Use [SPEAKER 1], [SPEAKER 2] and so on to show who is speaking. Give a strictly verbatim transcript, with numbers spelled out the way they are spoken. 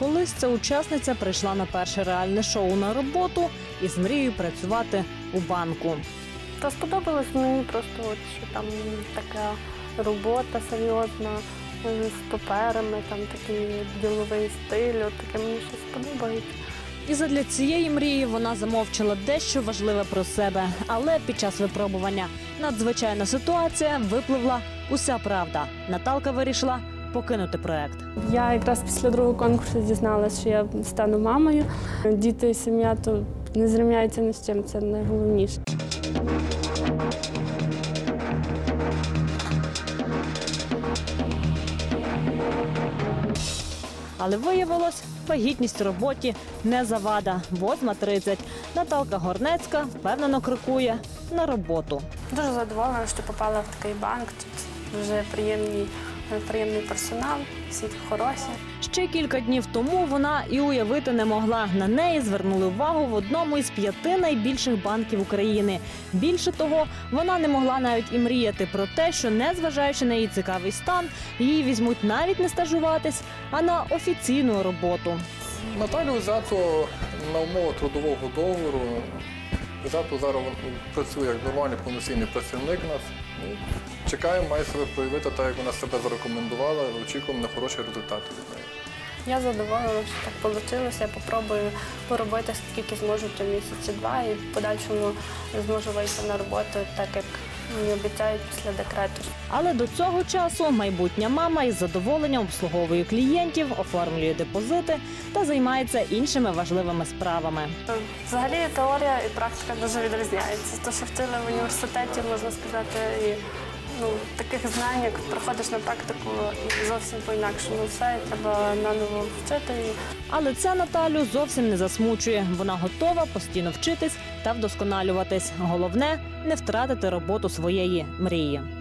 [SPEAKER 1] Колись ця учасниця прийшла на перше реальне шоу на роботу із мрією працювати у банку.
[SPEAKER 2] Та сподобалось мені просто, от, що там така робота серйозна, з паперами, там такий діловий стиль, от таке мені щось подобається.
[SPEAKER 1] І задля цієї мрії вона замовчала дещо важливе про себе. Але під час випробування надзвичайна ситуація випливла уся правда. Наталка вирішила покинути проект.
[SPEAKER 2] Я якраз після другого конкурсу дізналася, що я стану мамою. Діти і сім'я то не зрівняються ні з чим, це найголовніше.
[SPEAKER 1] Але виявилось, вагітність у роботі не завада. Восьма тридцять. Наталка Горнецька впевнено крокує на роботу.
[SPEAKER 2] Дуже задоволена, що попала в такий банк. Тут дуже приємний, приємний персонал, всі хороші.
[SPEAKER 1] Ще кілька днів тому вона і уявити не могла. На неї звернули увагу в одному із п'яти найбільших банків України. Більше того, вона не могла навіть і мріяти про те, що, незважаючи на її цікавий стан, її візьмуть навіть не стажуватись, а на офіційну роботу.
[SPEAKER 3] Наталю взято на умову трудового договору. Взято зараз працює як нормальний повноцінний працівник у нас. Чекаємо, має себе проявити так, як вона себе зарекомендувала, очікуємо на хороші результати від неї.
[SPEAKER 2] Я задоволена, що так вийшло. Я спробую поробити скільки зможу, то місяці два, і в подальшому зможу вийти на роботу, так як мені обіцяють після декрету.
[SPEAKER 1] Але до цього часу майбутня мама із задоволенням обслуговує клієнтів, оформлює депозити та займається іншими важливими справами.
[SPEAKER 2] Взагалі теорія і практика дуже відрізняються. Те, що вчили в університеті, можна сказати, і ну, таких знань, як приходиш на практику, і зовсім по-інакшому все, і треба наново вчити.
[SPEAKER 1] Але це Наталю зовсім не засмучує. Вона готова постійно вчитись та вдосконалюватись. Головне – не втратити роботу своєї мрії.